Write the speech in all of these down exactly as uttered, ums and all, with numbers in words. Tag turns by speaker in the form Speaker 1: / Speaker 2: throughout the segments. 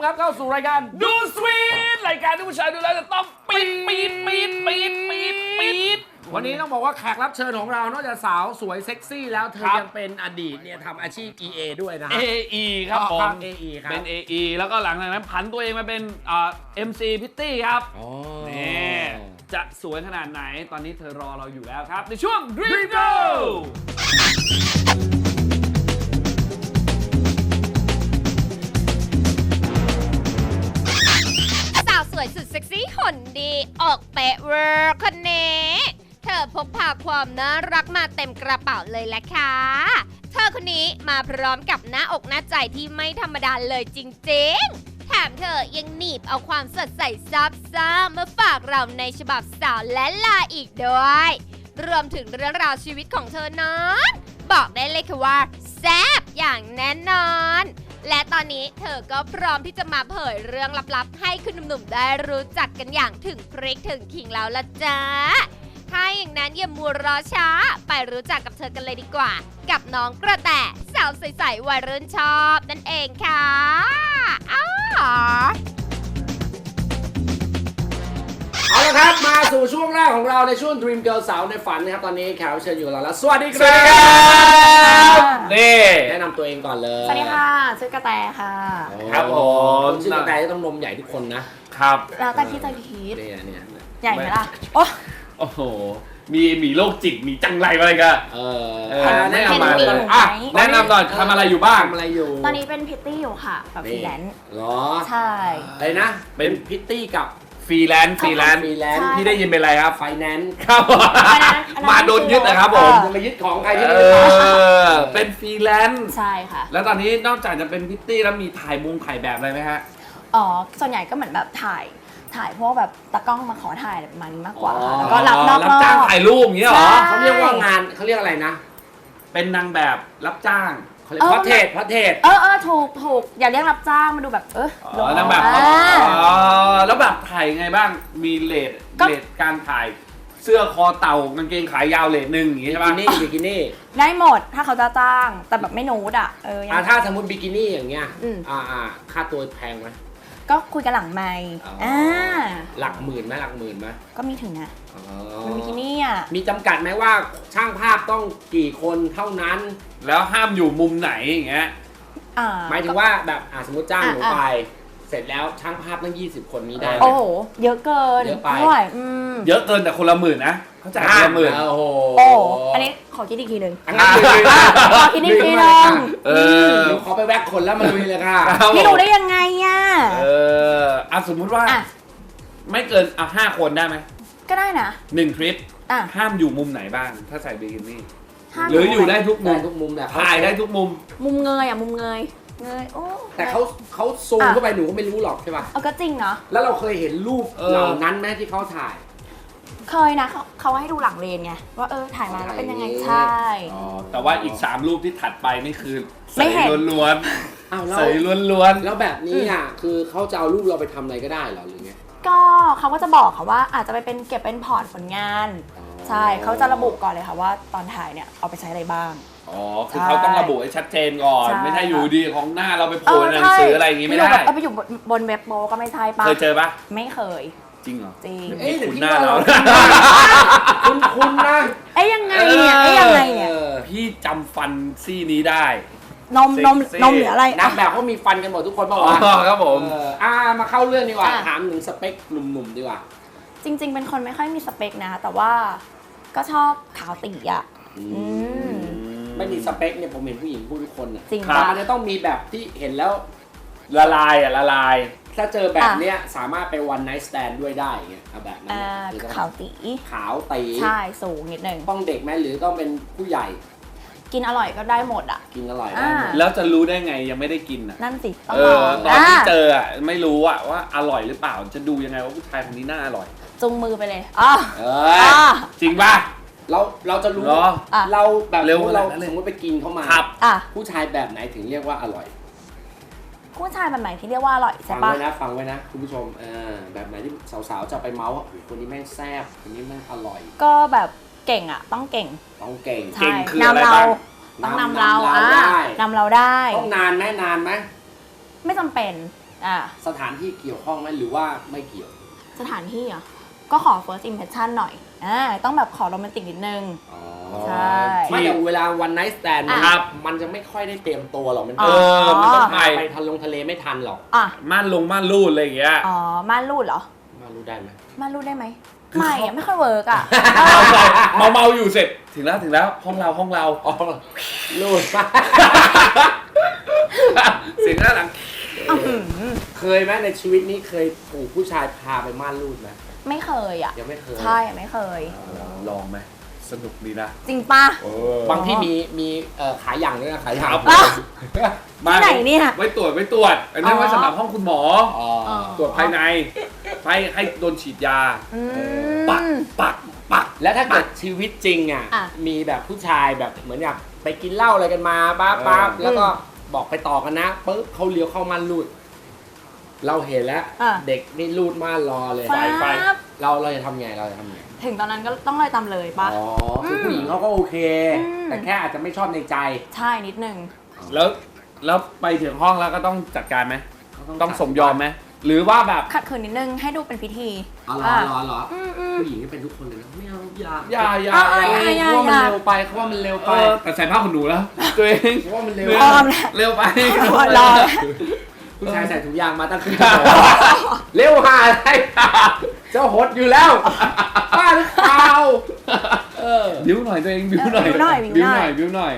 Speaker 1: ครับเข้าสู่รายการดูสวีทรายการที่ผู้ชายดูแล้วจะต้องปี๊ดปี๊ดปี๊ดปี๊ดปี๊ดปี๊ดวันนี้ต้องบอกว่าแขกรับเชิญของเรานอกจากสาวสวยเซ็กซี่แล้วเธอยังเป็นอดีตเนี่ยทำอาชีพ อี เอ ด้วยนะ
Speaker 2: เอ อี ครับผม
Speaker 1: เอ อี ครับ
Speaker 2: เป็น เอ อี แล้วก็หลังจากนั้นผันตัวเองมาเป็นอ่า เอ็ม ซี พิตตี้ครับนี่จะสวยขนาดไหนตอนนี้เธอรอเราอยู่แล้วครับในช่วง Dream Go
Speaker 3: สาวสวยสุดเซ็กซี่หุ่นดีออกเป๊ะเวอร์คนนี้เธอพกพาความน่ารักมาเต็มกระเป๋าเลยแหละค่ะเธอคนนี้มาพร้อมกับหน้าอกหน้าใจที่ไม่ธรรมดาเลยจริงๆแถมเธอยังหนีบเอาความสดใสซับซ้ำมาฝากเราในฉบับสาวและลาอีกด้วยรวมถึงเรื่องราวชีวิตของเธอนั้นบอกได้เลยค่ะว่าแซ่บอย่างแน่นอนและตอนนี้เธอก็พร้อมที่จะมาเผยเรื่องลับๆให้คุณหนุ่มๆได้รู้จักกันอย่างถึงพริกถึงขิงแล้วละจ้าถ้าอย่างนั้นอย่ามัวรอช้าไปรู้จักกับเธอกันเลยดีกว่ากับน้องกระแตสาวใสๆวัยรุ่นชอบนั่นเองค่ะอ้าว
Speaker 1: เอาละครับมาสู่ช่วงแรกของเราในช่วง Dream Girl สาวในฝันนะครับตอนนี้แขกรับเชิญอยู่กับเราแล้วสวัสดีครับ
Speaker 2: นี่
Speaker 1: แนะนำตัวเองก่อนเลย
Speaker 4: สวัสดีค่ะชื่อกระแตค่ะ
Speaker 2: ครับผม
Speaker 1: ชื่อกระแตจะต้องนมใหญ่ทุกคนนะครับ
Speaker 4: แล้วแต่ที่ใจคิด
Speaker 1: เนี่ยเนี่ย
Speaker 4: ใหญ่ไหมล่ะโอ้
Speaker 2: โอ้โหมีมีโรคจิตมีจังไรอะไรกัน
Speaker 1: เออ
Speaker 2: เออ
Speaker 1: แนะนำมา
Speaker 4: เห็น
Speaker 1: เล
Speaker 4: ห
Speaker 1: ย
Speaker 4: นู
Speaker 1: อ่ะ
Speaker 4: ไหม
Speaker 2: แนะนำหน่อยทำอะไรอยู่บ้าง
Speaker 1: ทำอะไรอยู่
Speaker 4: ตอนนี้เป็นพิตตี้อยู่ค่ะแบบฟรีแลนซ์
Speaker 1: เหรอ
Speaker 4: ใช่
Speaker 1: อะไรนะเป็นพิตตี้กับ
Speaker 2: ฟรีแลนซ์ฟรีแลนซ์
Speaker 1: ฟรีแลนซ์
Speaker 4: ใช่
Speaker 2: พี่ได้ยินเป็นอะไรครับ
Speaker 1: ไฟแนนซ์
Speaker 2: ครับผม
Speaker 4: อันนั้นอันนั้น
Speaker 2: มาโดนยึดนะครับผม
Speaker 1: จะมายึดของใครที่
Speaker 2: เอ
Speaker 1: ไม่ได้
Speaker 2: อเป็นฟรีแลนซ์
Speaker 4: ใช่ค่ะ
Speaker 2: แล้วตอนนี้นอกจากจะเป็นพิตตี้แล้วมีถ่ายมุงถ่ายแบบอะไรไหมฮะ
Speaker 4: อ๋อส่วนใหญ่ก็เหมือนแบบถ่ายถ่ายพวกแบบตากล้องมาขอถ่ายอะไรประมาณนี้มากกว่าค่ะแล้วก็รับนอก
Speaker 2: รับ
Speaker 4: รอ
Speaker 2: จ้าง
Speaker 4: บ
Speaker 2: ถ่ายรูปอย่างเงี้ยเหรอ
Speaker 4: ใช่
Speaker 1: เขาเรียกว่างานเขาเรียกอะไรนะ
Speaker 2: เป็นนางแบบรับจ้าง
Speaker 1: เขาเรียกพระเทศพระเทศ
Speaker 4: เออเออถูกถูกอย่าเรียกรับจ้างมาดูแบบเออ
Speaker 2: อ๋อนางแบบ
Speaker 4: อ่า
Speaker 2: อ๋อแล้วแบบถ่ายไงบ้างมีเลท
Speaker 4: ก็
Speaker 2: เลทการถ่ายเสื้อคอเต่ากางเกงขายาวเลทหนึ่งอย่างงี้
Speaker 1: บิ
Speaker 2: ใช่
Speaker 1: กิ
Speaker 2: ปะ
Speaker 1: นี่บิกินี่
Speaker 4: ได้หมดถ้าเขาจะจ้างแต่แบบไม่นูดอ่ะเออยัง
Speaker 1: อ่าถ้าสมมติบิกินี่อย่างเงี้ย
Speaker 4: อืม
Speaker 1: อ่าอ่าค่าตัวแพงไหม
Speaker 4: ก็คุยกันหลังไมค์
Speaker 1: อ๋ออ่
Speaker 4: อ่า
Speaker 1: หลักหมื่นไหมหลักหมื่นไหม
Speaker 4: ก็มีถึงนะ
Speaker 1: อ๋อ
Speaker 4: มันบิกินี่อ่ะ
Speaker 1: มีจำกัดไหมว่าช่างภาพต้องกี่คนเท่านั้น
Speaker 2: แล้วห้ามอยู่มุมไหนอย่างเงี้ย
Speaker 4: อ่า
Speaker 1: หมายถึงว่าแบบอ่าสมมติจ้างหนู
Speaker 4: อ่ะ
Speaker 1: ไป เสร็จแล้วช่างภาพตั้งยี่สิบคนนี้ได้ไหม
Speaker 4: โอ้โห เยอะเกิน
Speaker 1: เยอะไป
Speaker 4: ไม่ไหวอืม
Speaker 2: เยอะเกินแต่คนละหมื่นนะเขาจ่ายคนละหมื่น
Speaker 1: โอ้โห
Speaker 4: โอ้อันนี้ขอคิดอีกทีหนึ่ง
Speaker 1: อันนั้นคือ
Speaker 4: ขอคิดอีกทีห
Speaker 1: เล
Speaker 4: นึ่
Speaker 1: ย
Speaker 4: ง
Speaker 1: ค่ะ
Speaker 2: เออ
Speaker 1: เดี๋ยวขอไปแวกคนแล้วมาลุยเลยค่ะ
Speaker 2: ครับ
Speaker 4: พี่รู้ได้ยังไงอ่ะ
Speaker 2: เอออ่ะสมมุติว่า
Speaker 4: อ่ะ
Speaker 2: ไม่เกินอ่ะห้าคนได้ไหม
Speaker 4: ก็ได้นะ
Speaker 2: หนึ่งทริป
Speaker 4: อ่ะ
Speaker 2: ห้ามอยู่มุมไหนบ้าง ถ้าใส่บิกินี่
Speaker 4: ห้าม
Speaker 2: หรืออยู่ได้ทุกมุ
Speaker 1: ได้
Speaker 2: ม
Speaker 1: ทุกมุมแหละ
Speaker 2: ถ่ายได้ทุกมุม
Speaker 4: มุมเงยอ่ะ มุมเงย เงย โอ้
Speaker 1: แต่เขาเขาซูม
Speaker 4: อ่ะ
Speaker 1: เข้าไปหนูก็ไม่รู้หรอกใช่ป่ะ
Speaker 4: เอาก็จริงเนาะ
Speaker 1: แล้วเราเคยเห็นรูป
Speaker 2: เออ
Speaker 1: เหล่านั้นไหมที่เขาถ่าย
Speaker 4: เคยนะเขาเขาให้ดูหลังเลนไง ว่าเออ ถ่ายมาแล้วเป็นยังไง ใช่
Speaker 2: อ๋อแต่ว่าอีกสามรูปที่ถัดไปนี่คือ
Speaker 4: ไม่
Speaker 2: ใส่
Speaker 4: เห็น
Speaker 2: ล้วน
Speaker 1: อ้าว
Speaker 2: ๆ
Speaker 1: แล้ว
Speaker 2: ใส่ล้วน
Speaker 1: แล้วแบบนี้อ่ะคือเขาจะเอารูปเราไปทำอะไรก็ได้เหรอหรือไง
Speaker 4: ก็เขาก็จะบอกค่ะว่าอาจจะไปเป็นเก็บเป็นพอร์ตผลงาน
Speaker 1: อ๋อ
Speaker 4: ใช่ เขาจะระบุก่อนเลยค่ะว่าตอนถ่ายเนี่ยเอาไปใช้อะไรบ้าง
Speaker 2: ๆอ๋อคือเขาต้องระบุให้ชัดเจนก่อน
Speaker 4: ใช่
Speaker 2: ไม่ใช่อยู่ดีของหน้าเราไปโผล่ในหนังสืออะไรอย่างงี้ไม่ได้
Speaker 4: เออไปอยู่บนเว็บโปก็ไม่ใช่ปะ
Speaker 2: เคยเจอปะ
Speaker 4: ไม่เคย
Speaker 2: จริงเหรอ
Speaker 4: จริง
Speaker 1: เอ๊ะหรือ
Speaker 2: คุณ
Speaker 1: พี่
Speaker 2: หน้า
Speaker 1: ว่า
Speaker 2: เรา
Speaker 1: เราคุณคุณนะ
Speaker 4: เอ้ยยังไงเนี่ยเอ้ยยังไงเนี่ย
Speaker 1: ออ
Speaker 2: พี่จำฟันซี่นี้ได้
Speaker 4: นมนม
Speaker 2: เซ็กซี่
Speaker 4: นมหรืออะไร
Speaker 1: นักแบบเขามีฟันกันหมดทุกคนเปล่า
Speaker 2: อ๋อ
Speaker 1: วะ
Speaker 2: ครับผม
Speaker 1: เอออ่ามาเข้าเรื่องดีกว่า
Speaker 4: อ่ะ
Speaker 1: ถามถึงสเปคหนุ่มๆดีกว่า
Speaker 4: จริง ๆ เป็นคนไม่ค่อยมีสเปคนะ แต่ว่าก็ชอบขาวตีอ่ะ อืม
Speaker 1: ไม่มีสเปคเนี่ยผมเห็นผู้หญิงพูดทุกคนน่ะ
Speaker 4: จริง
Speaker 1: แต่
Speaker 4: ปะ
Speaker 1: มันจะต้องมีแบบที่เห็นแล้ว
Speaker 2: ละลายอ่ะละลาย
Speaker 1: ถ้าเจอแบบเนี้ยสามารถไปวันไนท์สแตนด้วยได้อย่างเงี้ยเอาแบบนั้น
Speaker 4: อ่า
Speaker 1: น่ะคือต้อง
Speaker 4: ขาวตี
Speaker 1: ขาวตี
Speaker 4: ใช่สูงนิดนึง
Speaker 1: ต้องเด็กไหมหรือต้องเป็นผู้ใหญ่
Speaker 4: กินอร่อยก็ได้หมดอ่ะ
Speaker 1: กินอร่อยได้หมด
Speaker 4: อ่า
Speaker 2: แล้วจะรู้ได้ไงยังไม่ได้กินอ่ะ
Speaker 4: นั่นสิต้อง
Speaker 2: เอ
Speaker 4: ล
Speaker 2: อ
Speaker 4: อง
Speaker 2: ตอนที่
Speaker 4: อ่ะ
Speaker 2: เจออ่ะไม่รู้อ่ะว่าอร่อยหรือเปล่าจะดูยังไงว่าผู้ชายคนนี้น่าอร่อย
Speaker 4: จุงมือไปเลยอ๋อ
Speaker 1: เอ้ย
Speaker 4: อ๋อ
Speaker 2: จริงป่ะ
Speaker 1: เราเราจะรู้
Speaker 2: เหรอ
Speaker 4: อ่ะ
Speaker 1: เราแบบ
Speaker 2: เร็ว
Speaker 1: เรา
Speaker 2: ขนาดนั้นเลย
Speaker 1: สมมติไปกินเข้ามา
Speaker 2: ครับ
Speaker 4: อ่ะ
Speaker 1: ผู้ชายแบบไหนถึงเรียกว่าอร่อย
Speaker 4: ผู้ชายแบบไหนที่เรียกว่าอร่อยใช่
Speaker 1: ฟัง
Speaker 4: ปะ
Speaker 1: ไว้นะฟังไว้นะคุณผู้ชมเออแบบไหนที่สาวๆจะไปเมาส์ว่าโอ้โหคนนี้แม่งแซ่บคนนี้แม่งอร่อย
Speaker 4: ก็แบบเก่งอ่ะ ต้องเก่ง
Speaker 1: ต้องเก่ง
Speaker 2: เก่
Speaker 4: ใช่
Speaker 2: งคืออะไร
Speaker 4: นำเรา
Speaker 2: บ้าง
Speaker 4: ต้องนำเรา
Speaker 1: นำเรา
Speaker 4: อ่ะ
Speaker 1: ได้
Speaker 4: นำเราได้
Speaker 1: ต้องนานไหมนานไหม
Speaker 4: ไม่จำเป็นอ่ะ
Speaker 1: สถานที่เกี่ยวข้องไหมหรือว่าไม่เกี่ยว
Speaker 4: สถานที่อ่ะก็ขอ first impression หน่อยอ่าต้องแบบขอโรแมนติกนิดนึง ใช่
Speaker 1: ไม่แต่เวลาวันไนท์สแตน
Speaker 4: อ่ะ
Speaker 1: ครับมันจะไม่ค่อยได้เตรียมตัวหรอกมัน
Speaker 4: อ๋
Speaker 2: เอ
Speaker 4: อ
Speaker 2: อมันต้อง
Speaker 1: ไป
Speaker 2: ไป
Speaker 1: ไปทันลงทะเลไม่ทันหรอก
Speaker 4: อ่ะ
Speaker 2: ม่านลงม่านรูดอะไรอย่างเงี้ย
Speaker 4: อ๋อม่านรูดเหรอ
Speaker 1: มารู้ได้ไหม
Speaker 4: ม่านรูดได้ไหม
Speaker 2: คือ
Speaker 4: ไม่
Speaker 2: เขา
Speaker 4: อะไม่ค่อยเวิร์กอ่ะ
Speaker 2: เมาเมาๆอยู่เสร็จถึงแล้วถึงแล้วห้องเราห้องเรา
Speaker 1: อ๋อรู้ปะ
Speaker 2: เสียงด้านหลัง
Speaker 1: เคยไหมในชีวิตนี้เคยถูกผู้ชายพาไปม่านรูดไหม
Speaker 4: ไม่เคยอ่ะ
Speaker 1: ยังไม่เคย
Speaker 4: ใช่ไม่เคย
Speaker 2: ลองไหมสนุกดีนะ
Speaker 4: จริงปะ
Speaker 1: บางที่มีมีเอ่อขายอย่างด้วยนะขายอย่าง
Speaker 2: ครับ
Speaker 4: อ่ะ
Speaker 2: มา
Speaker 4: ที่ไหนเนี่ย
Speaker 2: ไว้ตรวจไว้ตรวจอันนี้
Speaker 4: อ๋อ
Speaker 2: ไว้สำหรับห้องคุณหมอ
Speaker 1: อ๋อ
Speaker 2: ตรวจภายในไปให้โดนฉีดยา
Speaker 4: อื
Speaker 2: ปัก
Speaker 4: ม
Speaker 2: ปักปัก
Speaker 1: แล้วถ้าเกิดชีวิตจริงอ่ะ
Speaker 4: อ่ะ
Speaker 1: มีแบบผู้ชายแบบเหมือนอยากไปกินเหล้าอะไรกันมาปั๊บปั๊บ
Speaker 2: เออ
Speaker 1: แล้วก็บอกไปต่อกันนะปุ๊บเขาเลี้ยวเข้าม่านรูด เราเห็นแล้ว
Speaker 4: อ่ะ
Speaker 1: เด็กนี่รูดม่านรอเลย
Speaker 4: ฟ้าบ
Speaker 1: เราเราจะทำไงเราจะทำไง
Speaker 4: ถึงตอนนั้นก็ต้องเลยตามเลยปะ
Speaker 1: อ๋อคือผู้หญิงเขาก็โอเค
Speaker 4: อืม
Speaker 1: แต่แค่อาจจะไม่ชอบในใจ
Speaker 4: ใช่นิดนึง
Speaker 2: แล้วแล้วไปถึงห้องแล้วก็ต้องจัดการไหมต้องสมยอมไหมหรือว่าแบบ
Speaker 4: ขัดขืนนิดนึงให้ดูเป็นพิธี
Speaker 1: อ๋อเหรอเหรอเหรอ
Speaker 4: อืมอืม
Speaker 1: ผู้หญิงนี่เป็นทุกคนเลยนะไม่เอาอย่า
Speaker 2: อย่าอย่า
Speaker 4: อ่ะ
Speaker 2: อย่า
Speaker 4: อ่ะอย่า
Speaker 1: เพราะว่ามันเร็วไปเขาว่ามันเร็ว
Speaker 2: เอ
Speaker 1: ไป
Speaker 2: อแต่ใส่ผ้าขนหนูแล้ว ตัวเอง
Speaker 1: เพราะว่ามันเร็ว
Speaker 4: ออมแล้ว
Speaker 2: เร็วไป
Speaker 4: รอ
Speaker 1: ผู้ชายใส่ถุงยางมาตั้งคืนเร็วหาอะไรเจ้าหดอยู่แล้วบ้าหรือเปล่าเออ
Speaker 2: บิ้วหน่อยตัวเองบิ้วหน่อย
Speaker 4: บิ้วหน่อยบิ้
Speaker 2: บิ้ว
Speaker 4: ว
Speaker 2: ห
Speaker 4: หน่
Speaker 2: น่อ
Speaker 4: อย ย
Speaker 2: บิ้วหน่อย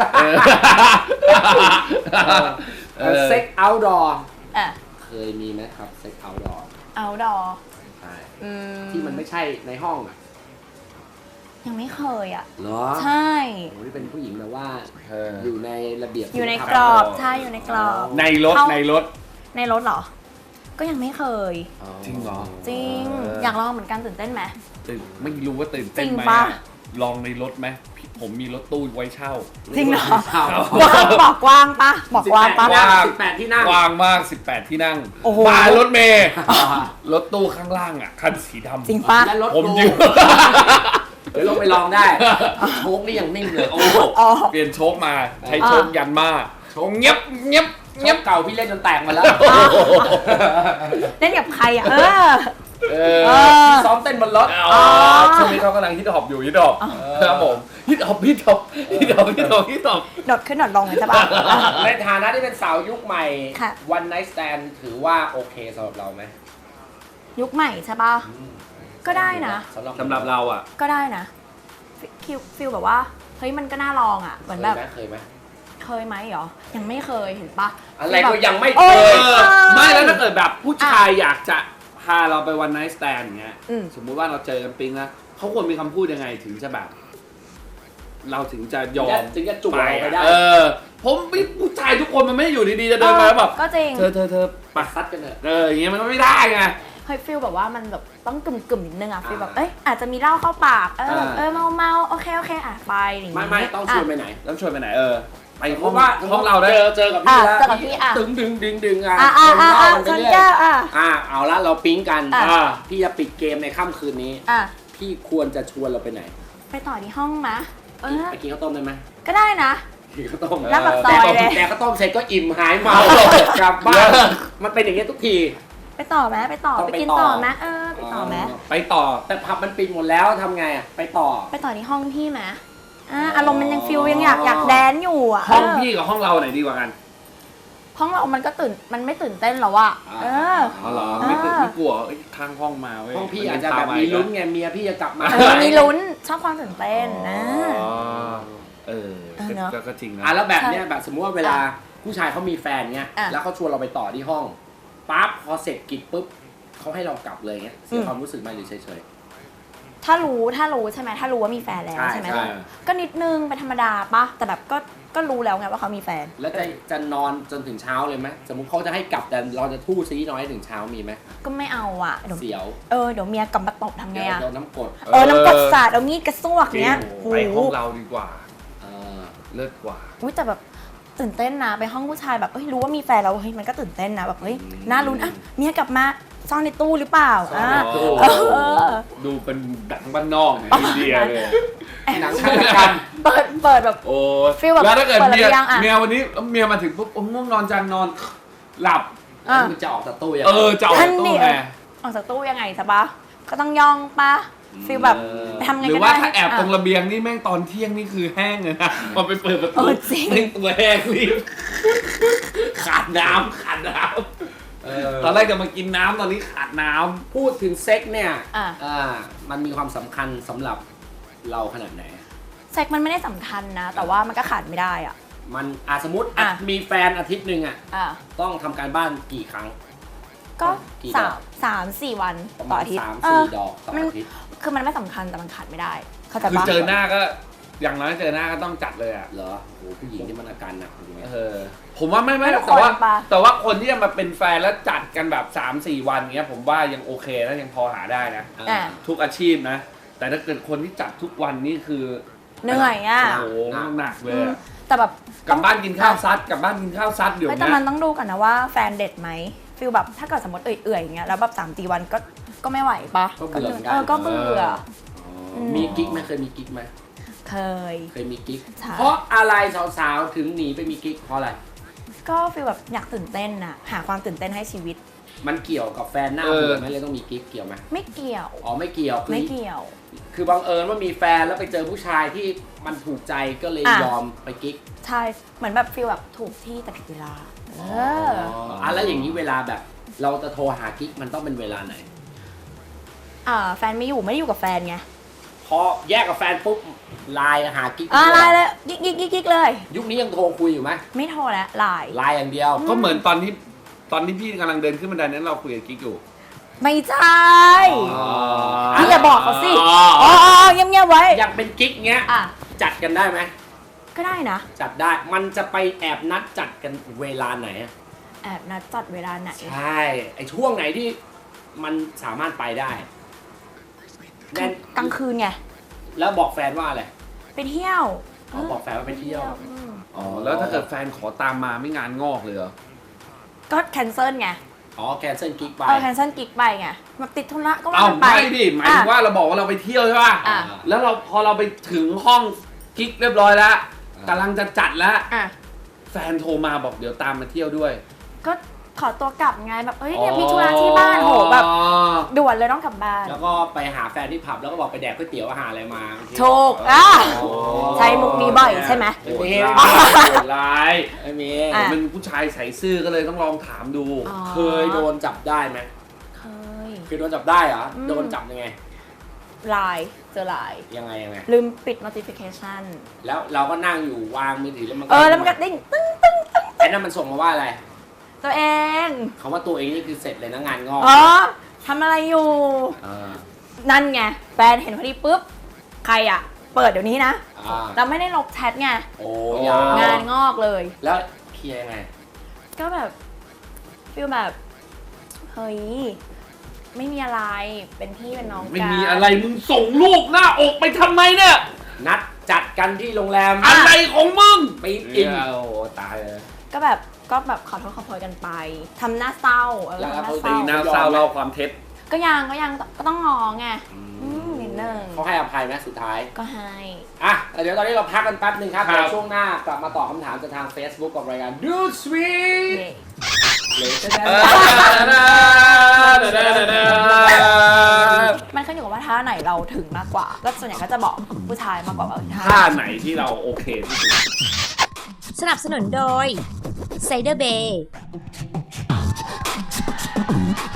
Speaker 1: เซ็กเอาท์ดอร์
Speaker 4: อ่ะ
Speaker 1: เคยมีไหมครับเซ็กเอาท์ดอร์
Speaker 4: เอาดอ
Speaker 1: ใช่
Speaker 4: อืม
Speaker 1: ที่มันไม่ใช่ในห้องอ่ะ
Speaker 4: ยังไม่เคยอ่ะ
Speaker 1: เหรอ
Speaker 4: ใช่
Speaker 1: โอ้ยเป็นผู้หญิงแบบว่า
Speaker 2: เออ
Speaker 1: อยู่ในระเบียบ
Speaker 4: อยู่ใน
Speaker 1: ศีลธรรม
Speaker 4: กรอบใช่อยู่ในกรอบ
Speaker 2: ในรถ
Speaker 4: เข้า
Speaker 2: ในรถ
Speaker 4: ในรถเหรอ ก็ยังไม่เคย
Speaker 2: จริงเหรอ
Speaker 4: จริง
Speaker 2: เออ
Speaker 4: อ
Speaker 2: อ
Speaker 4: ยากลองเหมือนกันตื่นเต้นไหม
Speaker 2: ตื่นไม่รู้ว่าตื่นเต้น
Speaker 4: จริง
Speaker 2: ไหม
Speaker 4: ปะ
Speaker 2: อะลองในรถไหมพี่ผมมีรถตู้ไว้เช่า
Speaker 4: จริงเหรอ
Speaker 1: ครับ
Speaker 4: กว้างบอกกว้างปะบอกกว้างปะ
Speaker 2: กว้าง
Speaker 1: สิบแปดที่นั่ง
Speaker 2: กว้างมากสิบแปดที่นั่ง
Speaker 4: โอ้โห
Speaker 2: มารถเมย์รถตู้ข้างล่างอ่ะคันสีดำ
Speaker 4: จริงปะ
Speaker 1: และรถ
Speaker 2: ผม
Speaker 1: โก
Speaker 2: ยืม
Speaker 1: เดี๋ยวลงไปลองได้ โชคนี่ยังนิ่งเลยโอ้โห
Speaker 4: อ๋อ
Speaker 2: เปลี่ยนโชคมาใช้
Speaker 4: อ่า
Speaker 2: โชคยันมาโชคเงียบเงียบ
Speaker 1: เงียบเก่าพี่เล่นจนแตกมาแล้ว
Speaker 4: เล่นกับใครอ่ะ เออ
Speaker 2: เอ
Speaker 4: เอ
Speaker 2: อ
Speaker 4: อ
Speaker 1: ซ้อมเต้นบนรถ
Speaker 2: อ๋อช่วงนี้เขากำลังฮิตฮอปอยู่ฮิตฮอปครับผมฮิตฮอปฮิตฮอปฮิตฮอปฮิตฮอปฮิตฮอป
Speaker 4: โดดขึ้นโดดลงเลยใช่ปะ
Speaker 1: ในฐานะที่เป็นสาวยุคใหม่
Speaker 4: ค่ะ
Speaker 1: วันไนท์สแตนถือว่าโอเคสำหรับเราไหม
Speaker 4: ยุคใหม่ใช่ปะก็ได้นะ
Speaker 1: สำหรับ
Speaker 2: สำหรับเราอ่ะ
Speaker 4: ก็ได้นะฟิลฟิลแบบว่า เฮ้ยมันก็น่าลองอ่ะ เหมือนแบบ
Speaker 1: เคยไหม
Speaker 4: เคยไหมเหรอ ยังไม่เคยเห็นปะ
Speaker 1: อะไรก็ยังไม่
Speaker 4: โอ้
Speaker 1: เค
Speaker 4: ย
Speaker 1: ย
Speaker 2: ไม่แล้วถ้าเกิดแบบผู้ชายอยากจะพาเราไปวันไนท์สแตนอย่างเงี้ย
Speaker 4: อืม
Speaker 2: สมมุติว่าเราเจอกันปิ๊งนะเขาควรมีคำพูดยังไงถึงจะแบบ เราถึงจะยอม
Speaker 1: ถึงจะจูบ
Speaker 2: ไป
Speaker 1: เราไป
Speaker 2: อะ
Speaker 1: ได้
Speaker 2: เออ ผมผู้ชายทุกคนมันไม่ได้อยู่ดีๆจะเดินมาแล้วแบบ
Speaker 4: ก็จริง
Speaker 2: เธอเธอเธอ
Speaker 1: ปัดซัดกันเถอะ
Speaker 2: เอออย่างเงี้ยมันก็ไม่ได้ไง
Speaker 4: เฮ้ยฟิลแบบว่ามันแบบต้องกึ่มกึ่มๆนิดนึงอ่ะฟิลแบบเอ้ยอาจจะมีเหล้าเข้าปากเออ
Speaker 2: อ่า
Speaker 4: เออเมาเมาๆโอเคโอเคอ่ะไปอย่างงี้
Speaker 1: ไม่ไม่ต้องชวนไปไหน
Speaker 2: แล้วชวนไปไหนเออ ไป
Speaker 1: เพ
Speaker 2: ห้อง
Speaker 1: ราะว่า
Speaker 2: ห้องเราได้
Speaker 1: เจอเจอกับพี่แล้ว
Speaker 4: อ่ะเจอกับพี่อ่ะ
Speaker 1: ดึงดึงดึงดึงอ่ะ
Speaker 4: อ่ะอ่ะอ่ะอ่ะ
Speaker 1: เดิ
Speaker 4: ช
Speaker 1: น
Speaker 4: น
Speaker 1: เรื่อย
Speaker 4: แก้วอ่ะ
Speaker 1: ๆอ่ะเอาละเราปิ๊งกัน
Speaker 4: อ่ะ
Speaker 2: อ่า
Speaker 1: พี่จะปิดเกมในค่ำคืนนี้
Speaker 4: อ่ะ
Speaker 1: พี่ควรจะชวนเราไปไหน
Speaker 4: ไปต่อที่ห้องมะเออ
Speaker 1: ไปกินข้าวต้มได้ไหม
Speaker 4: ก็ได้นะ
Speaker 1: กินข้าวต้ม
Speaker 4: หน้าปากซอยเลย
Speaker 1: แต่ข้าวต้มเสร็จก็อิ่มหายเมา กลับบ้าน มันเป็นอย่างเงี้ยทุกที
Speaker 4: ไปต่อไหมไปต่อ
Speaker 1: ต้อง
Speaker 4: ไป
Speaker 1: ไป
Speaker 4: กิน
Speaker 1: ต่อ
Speaker 4: ต่อไหมเออไปต่อไหม
Speaker 2: ไปต่อ
Speaker 1: แต่ผับมันปิดหมดแล้วทำไงอ่ะ ไปต่อ
Speaker 4: ไปต่อที่ห้องพี่ไหมอ่ะอารมณ์มันยังฟิลยังอยากอยากแดนอยู่อ่ะ
Speaker 2: ห้อง
Speaker 4: เ
Speaker 2: พี่กับห้องเราไหนดีกว่ากัน
Speaker 4: ห้องเรามันก็ตื่นมันไม่ตื่นเต้นหรอวะ
Speaker 1: อ่า
Speaker 4: เออ
Speaker 2: อ๋อเหรอ
Speaker 4: อ่า
Speaker 2: ไม่ตื่นไม่กลัวเอ้ยข้างห้องมาเว้ย
Speaker 1: ห้องพี่
Speaker 2: น
Speaker 1: อาจ
Speaker 2: เดิ
Speaker 1: จะ
Speaker 2: ต
Speaker 1: แบบ
Speaker 2: มา
Speaker 1: มี
Speaker 2: อีก
Speaker 1: ลุ้นไงเมียพี่จะกลับมา
Speaker 4: เออมีลุ้นชอบความตื่นเต้นนะ
Speaker 2: อ๋อเออ
Speaker 4: เออเนอะ
Speaker 2: ก็ก็จริงนะ
Speaker 1: อ่ะแล้วแบบเนี้ยแบบสมมติว่าเวลาผู้ชายเขามีแฟนเงี้ย
Speaker 4: อ่ะ
Speaker 1: แล้วเขาชวนเราไปต่อที่ห้องปั๊บพอเสร็จกิจปุ๊บเขาให้เรากลับเลยเงี้ยเสีย
Speaker 4: อืม
Speaker 1: ความรู้สึกไหมหรือเฉย
Speaker 4: ถ้ารู้ถ้ารู้ใช่ไหมถ้ารู้ว่ามีแฟนแล้ว
Speaker 1: ใช่
Speaker 4: ใช่ไหม
Speaker 1: ใช่
Speaker 4: ก็นิดนึงเป็นธรรมดาปะแต่แบบก็ก็รู้แล้วไงว่าเขามีแฟน
Speaker 1: ๆ แล้วจะจะนอนจนถึงเช้าเลยไหมสมมุติเขาจะให้กลับแต่เราจะทู่ซีน้อยถึงเช้ามีไหม
Speaker 4: ก็ไม่เอาอ่ะเดี๋ยว
Speaker 1: เสียว
Speaker 4: เออเดี๋ยวเมียกลับมาตบทำไง
Speaker 1: เดี๋ยว
Speaker 4: อ่ะ
Speaker 1: เดี๋ยวน้ำกรด
Speaker 4: เออน้ำกรดสาดเอามีดกระซวกเนี้ย
Speaker 2: จริงไปห้องเราดีกว่า
Speaker 1: เออ
Speaker 2: เลิศกว่า
Speaker 4: อุ้ยแต่แบบตื่นเต้นนะไปห้องผู้ชายแบบเฮ้ยรู้ว่ามีแฟนแล้วเฮ้ยมันก็ตื่นเต้นนะแบบเฮ้ยน่าลุ้นอ่ะเมียกลับมาซ่อนในตู้หรือเปล่า
Speaker 1: ซ่อน
Speaker 4: อ่ะ
Speaker 1: ในตู้
Speaker 4: เออ
Speaker 2: ดูเป็นดังบ้านนอกเนี่ยอินเดียเลย
Speaker 1: หนังฆาตกรรม
Speaker 4: เปิดเปิดแบบ
Speaker 2: โอ้
Speaker 4: ฟีลแบบ
Speaker 2: แล้วถ้าเกิด
Speaker 4: เปิด
Speaker 2: เมีย
Speaker 4: หรือยังอะ
Speaker 2: เมียวันนี้เมียมาถึงปุ๊บโอ้ง่วงนอนจังนอนหลับ
Speaker 4: อ่ะ
Speaker 1: มึงจะออกจากตู้ยัง
Speaker 2: เออจะออก
Speaker 4: ท่าน
Speaker 2: ตู้
Speaker 4: นี่
Speaker 2: ไง
Speaker 4: ออกจากตู้ยังไงสะปะก็ต้องย่องปะฟีลแบบ
Speaker 2: เออ
Speaker 4: ไปทำไง
Speaker 2: หรือ
Speaker 4: ก็
Speaker 2: ว่า
Speaker 4: ได้
Speaker 2: ถ้าแอบตรง
Speaker 4: ะ
Speaker 2: ระเบียงนี่แม่งตอนเที่ยงนี่คือแห้งเลยนะพอไปเปิดประ
Speaker 4: เอ
Speaker 2: ตู
Speaker 4: อจริง
Speaker 2: แม่งตัวแห้งรีบขาดน้ำขาดน้
Speaker 1: เออ
Speaker 2: ำตอนแรกจะมากินน้ำตอนนี้ขาดน้ำ
Speaker 1: พูดถึงเซ็กเนี่ย
Speaker 4: อ่ะ
Speaker 1: อ่ามันมีความสำคัญสำหรับเราขนาดไหน
Speaker 4: เซ็กมันไม่ได้สำคัญนะ แต่ว่ามันก็ขาดไม่ได้อ่ะ
Speaker 1: มันอาสมมติ
Speaker 4: อ่ะ
Speaker 1: มีแฟนอาทิตย์หนึ่งอ่ะ
Speaker 4: อ่ะ
Speaker 1: ต้องทำการบ้านกี่ครั้ง
Speaker 4: ก็
Speaker 1: กี่ด
Speaker 4: สา
Speaker 1: อก
Speaker 4: มสามสี่วัน
Speaker 1: ประ
Speaker 4: ต่
Speaker 1: มา
Speaker 4: อ
Speaker 1: ณ
Speaker 4: อาทิตย์
Speaker 1: สาม
Speaker 4: เอ
Speaker 1: สี่
Speaker 4: อ
Speaker 1: ดอกต่อ
Speaker 4: มัน
Speaker 1: อาทิตย์
Speaker 4: คือมันไม่สำคัญแต่มันขาดไม่ได้ เข้าใจ
Speaker 2: คือ
Speaker 4: ปะ
Speaker 2: เจอหน้าก็อย่างน้อยเจอหน้าก็ต้องจัดเลยอ่ะ
Speaker 1: เหรอโหผู้หญิงที่มันอาการหนักจริงไหม
Speaker 2: เออผมว่าไม่ไม่
Speaker 4: ทุก
Speaker 2: แต่ว่า
Speaker 4: คนปะ
Speaker 2: แต่ว่าคนที่จะมาเป็นแฟนแล้วจัดกันแบบ สามสี่ วันเงี้ยผมว่ายังโอเคนะยังพอหาได้นะ
Speaker 4: อ่ะ
Speaker 2: ทุกอาชีพนะ แต่ถ้าเกิดคนที่จัดทุกวันนี่คือ
Speaker 4: เหนื่อยอ่ะ
Speaker 2: โอ้โหหนักเลยอะ
Speaker 4: แต่แบบ
Speaker 2: กลับบ้านกินข้าวซัดกลับบ้านกินข้าวซัดเดี๋ยว
Speaker 4: ไม่แต่
Speaker 2: นี้
Speaker 4: มันต้องดูกันนะว่าแฟนเด็ดไหมฟีลแบบถ้าเกิดสมมติเอื่อยๆอย่างเงี้ยแล้วแบบสามสี่วันก็ก็ไม่ไหวปะ
Speaker 1: ก็เบื่อเหมือนกัน
Speaker 4: เออก็เบื่อ
Speaker 1: อ๋อมีกิ๊กไหมเคยมีกิ๊กไหม
Speaker 4: เคย
Speaker 1: เคยมีกิ๊ก
Speaker 4: ใช่
Speaker 1: เพราะอะไรสาวๆถึงหนีไปมีกิ๊กเพราะอะไร
Speaker 4: ก็ฟีลแบบอยากตื่นเต้นน่ะหาความตื่นเต้นให้ชีวิต
Speaker 1: มันเกี่ยวกับแฟนหน้า
Speaker 2: เออ
Speaker 1: เบื่อไหมเลยต้องมีกิ๊กเกี่ยวไหม
Speaker 4: ไม่เกี่ยว
Speaker 1: อ๋อไม่เกี่ยวคือ
Speaker 4: ไม่เกี่ยว
Speaker 1: คือบังเอิญว่ามีแฟนแล้วไปเจอผู้ชายที่มันถูกใจก็เลย
Speaker 4: อ่ะ
Speaker 1: ยอมไปกิ๊ก
Speaker 4: ใช่เหมือนแบบฟีลแบบถูกที่แต่ผิดเวลา เออ
Speaker 1: อ๋ออ่ะแล้วอย่างนี้เวลาแบบ เราจะโทรหากิ๊กมันต้องเป็นเวลาไหน
Speaker 4: อ่าแฟนไม่อยู่ไม่ได้อยู่กับแฟนไง
Speaker 1: พอแยกกับแฟนปุ๊บไลน์หากิ๊ก
Speaker 4: อ่าไล
Speaker 1: ด้วย
Speaker 4: น์เลยกิ๊กกิ๊กกิ๊กกิ๊กเลย
Speaker 1: ยุคนี้ยังโทรคุยอยู่ไหม
Speaker 4: ไม่โทรแล้วไลน์
Speaker 1: ไลน์อย่างเดียว
Speaker 2: ก็เหมือนตอนที่ตอนที่พี่กำลังเดินขึ้นบันไดนั้นเราคุยกับกิ๊กอยู่
Speaker 4: ไม่ใช่
Speaker 1: อ๋อ
Speaker 4: พี่อย่าบอกเขาสิ
Speaker 2: อ๋อ
Speaker 4: อ๋อเงียบเงียบๆไว้
Speaker 1: อยากเป็นกิ๊กเงี้ย
Speaker 4: อ่ะ
Speaker 1: จัดกันได้ไหม
Speaker 4: ก็ได้นะ
Speaker 1: จัดได้มันจะไปแอบนัดจัดกันเวลาไหนอะ
Speaker 4: แอบนัดจัดเวลาไหน
Speaker 1: ใช่ไอช่วงไหนที่มันสามารถไปได้แน่น
Speaker 4: กลางคืนไง
Speaker 1: แล้วบอกแฟนว่าอะไร
Speaker 4: ไปเที่ยว
Speaker 1: อ๋อบอกแฟนว่าไปเที่ยว
Speaker 4: อืม
Speaker 2: อ๋อแล้วถ้าเกิดแฟนขอตามมาไม่งานงอกเลยเหรอ
Speaker 4: ก็แคนเซิลไง
Speaker 1: อ๋อแคนเซิลกิ๊กไป
Speaker 4: เออแคนเซิลกิ๊กไปไงแบบติดธุระก็ว่า
Speaker 2: เอ้า
Speaker 4: กันไป
Speaker 2: ไม่ดิหมายถึงว่าเราบอกว่าเราไปเที่ยวใช่ป่ะ
Speaker 4: อ่ะ
Speaker 2: แล้วเราพอเราไปถึงห้องกิ๊กเรียบร้อยแล้วกำลังจะจัดแล้ว
Speaker 4: อ่ะ
Speaker 2: แฟนโทรมาบอกเดี๋ยวตามมาเที่ยวด้วย
Speaker 4: ก็ขอตัวกลับไงแบบเอ้ยเนี่ยมีธุระที่บ้านโหแบบ
Speaker 2: อ๋อ
Speaker 4: ด่วนเลยต้องกลับบ้าน
Speaker 1: แล้วก็ไปหาแฟนที่ผับแล้วก็บอกไปแดกก๋วยเตี๋ยวอาหารอะไรมา
Speaker 4: ถูกอ่ะ
Speaker 1: โอ้
Speaker 4: ใช้มุกนี้บ่อยใช่ไหม
Speaker 2: โหดร้ายโหดร้าย
Speaker 1: ไม่มี
Speaker 4: อ่ะ
Speaker 2: เป็นผู้ชายใส่ซื่อก็เลยต้องลองถามดู
Speaker 4: อ๋อ
Speaker 1: เคยโดนจับได้ไหม
Speaker 4: เคย
Speaker 1: เคยโดนจับได้เหรอ
Speaker 4: อืม
Speaker 1: โดนจับยังไง
Speaker 4: ไลน์เจอไลน์
Speaker 1: ยังไงยังไง
Speaker 4: ลืมปิด notification
Speaker 1: แล้วเราก็นั่งอยู่วางมือถือแล้วมัน
Speaker 4: เออแล้วมันก็ดิ้งตึ้งตึ้ง
Speaker 1: ไอ้นั่นมันส่งมาว่าอะไร
Speaker 4: ตัวเอง
Speaker 1: คำว่าตัวเองนี่คือเสร็จเลยนะงานงอก
Speaker 4: อ๋อทำอะไรอยู่
Speaker 1: า
Speaker 4: นั่นไงแฟนเห็นพอดีปุ๊บ ใครอ่ะ เปิดเดี๋ยวนี้นะ
Speaker 1: อ่า
Speaker 4: เราไม่ได้ลบแชทไง
Speaker 1: โอ้
Speaker 2: โอ้
Speaker 1: ยาว
Speaker 4: งานงอกเลย
Speaker 1: แล้วเคลียร์ยังไง
Speaker 4: ก็แบบฟีลแบบ เฮ้ย ไม่มีอะไรเป็นพี่เป็นน้องกัน
Speaker 2: ไม่มีอะไรมึงส่งรูปหน้าอกไปทำไมเนี่ย
Speaker 1: นัดจัดกันที่โรงแรม
Speaker 2: อะไรของมึง
Speaker 1: ไปอิน
Speaker 2: โอ้โหตายเลย
Speaker 4: ก็แบบก็แบบขอโทษขอโพยกันไปทำหน้าเศร้าเออ
Speaker 1: แล้ว
Speaker 4: ทำหน้า
Speaker 1: เขา
Speaker 4: เศ
Speaker 2: ตี
Speaker 4: ร้า
Speaker 2: หน้าเศร้าเล่าความเท็จ
Speaker 4: ก็ยังก็ยังก็ต้องงอไงอืมนิดนึง
Speaker 1: เขาให้อภัยไหมสุดท้าย
Speaker 4: ก็ให้
Speaker 1: อ่ะแต่เดี๋ยวตอนนี้เราพักกันแป๊บหนึงครับ
Speaker 2: ครับ
Speaker 1: เดี๋ยวช่วงหน้ากลับมาตอบคำถามจากทาง Facebook กับรายการ Do Sweet
Speaker 4: เย่
Speaker 1: เลยจะได้
Speaker 2: เออ
Speaker 4: มันขึ้นอยู่กับว่าท่าไหนเราถึงมากกว่าก็ส่วนใหญ่ก็จะบอกผู้ชายมากกว่าว่าเออท่า
Speaker 2: ท่าไหนที่เราโอเคที่สุด
Speaker 5: สนับสนุนโดยไซเดอร์เบย์